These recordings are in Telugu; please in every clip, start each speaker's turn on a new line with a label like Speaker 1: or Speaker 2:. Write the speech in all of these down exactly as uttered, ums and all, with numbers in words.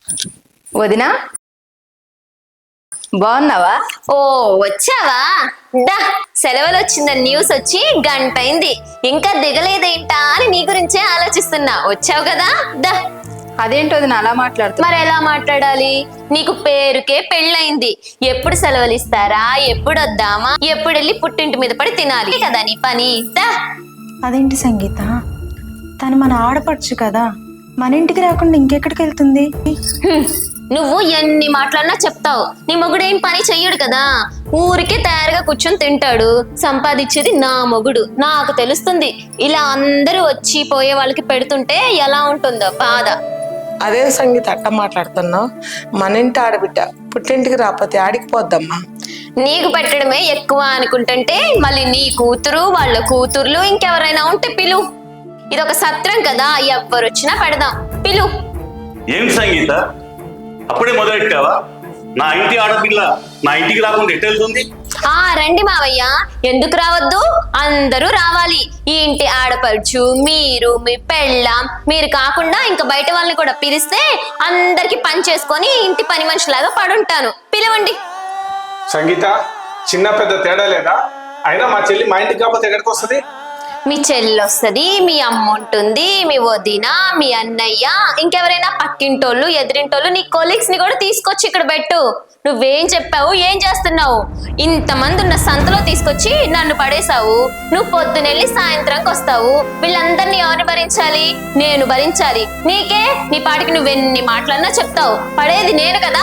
Speaker 1: వదినా బాగున్నావా?
Speaker 2: ఓ వచ్చావా? డా సెలవులు వచ్చిందని న్యూస్ వచ్చి గంట అయింది, ఇంకా దిగలేదేంటా అని నీ గురించే ఆలోచిస్తున్నా. వచ్చావు కదా దా.
Speaker 1: అదేంటో వదినా అలా మాట్లాడుతున్నా?
Speaker 2: మరి ఎలా మాట్లాడాలి? నీకు పేరుకే పెళ్ళయింది, ఎప్పుడు సెలవులు ఇస్తారా, ఎప్పుడు వద్దామా, ఎప్పుడు వెళ్ళి పుట్టింటి మీద పడి తినాలి కదా నీ పని. దా.
Speaker 3: అదేంటి సంగీత, తను మన ఆడపడుచు కదా, మన ఇంటికి రాకుండా ఇంకెక్కడికి వెళ్తుంది?
Speaker 2: హ్మ్. నువ్వు ఎన్ని మాట్లాడినా చెప్తావు, నీ మొగుడేం పని చెయ్యడు కదా, ఊరికే తయారుగా కూర్చొని తింటాడు. సంపాదించేది నా మొగుడు, నాకు తెలుస్తుంది. ఇలా అందరూ వచ్చి పోయే వాళ్ళకి పెడుతుంటే ఎలా ఉంటుందో బాధ.
Speaker 4: అదే సంగీత అట్ట మాట్లాడుతున్నావు? మన ఇంటి ఆడబిడ్డ పుట్టింటికి రాకపోతే ఆడికి పోద్దమ్మా.
Speaker 2: నీకు పెట్టడమే ఎక్కువ అనుకుంటుంటే మళ్ళీ నీ కూతురు, వాళ్ళ కూతుర్లు, ఇంకెవరైనా ఉంటే పిలు. ఇదొక సత్రం కదా, ఎవ్వరు వచ్చినా పెడదాం, పిలు.
Speaker 5: ఏం సంగీత అప్పుడే మొదలెట్టావా? నా ఇంటి ఆడపిల్ల నా ఇంటికి రాకుండా ఎట్టు వెళ్తుంది?
Speaker 2: ఆ రండి మావయ్య, ఎందుకు రావద్దు, అందరూ రావాలి. ఈ ఇంటి ఆడపడుచు మీరు, మీ పెళ్ళాం, మీరు కాకుండా ఇంకా బయట వాళ్ళని కూడా పిలిస్తే అందరికి పని చేసుకొని ఇంటి పని మనిషిలాగా పడుంటాను. పిలవండి.
Speaker 6: సంగీత, చిన్న పెద్ద తేడా లేదా? అయినా మా చెల్లి మా ఇంటికి కాకపోతే ఎక్కడికి వస్తుంది?
Speaker 2: మీ చెల్లి వస్తుంది, మీ అమ్మ ఉంటుంది, మీ వదిన, మీ అన్నయ్య, ఇంకెవరైనా పక్కింటోళ్ళు, ఎదిరింటోళ్ళు, నీ కొలీగ్స్ ని కూడా తీసుకొచ్చి ఇక్కడ పెట్టు. నువ్వేం చెప్పావు, ఏం చేస్తున్నావు? ఇంతమంది ఉన్న సంతలో తీసుకొచ్చి నన్ను పడేశావు. నువ్వు పొద్దునెళ్ళి సాయంత్రంకి వస్తావు. వీళ్ళందరినీ ఎవరిని భరించాలి? నేను భరించాలి. నీకే నీ పాటికి నువ్వెన్ని మాటలన్నా చెప్తావు, పడేది నేను కదా.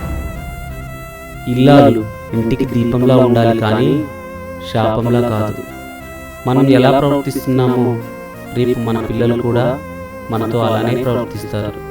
Speaker 7: ఇల్లాలు ఇంటికి దీపంలా ఉండాలి కానీ శాపంలా కాదు. మనం ఎలా ప్రవర్తిస్తున్నామో రేపు మన పిల్లలు కూడా మనతో అలానే ప్రవర్తిస్తారు.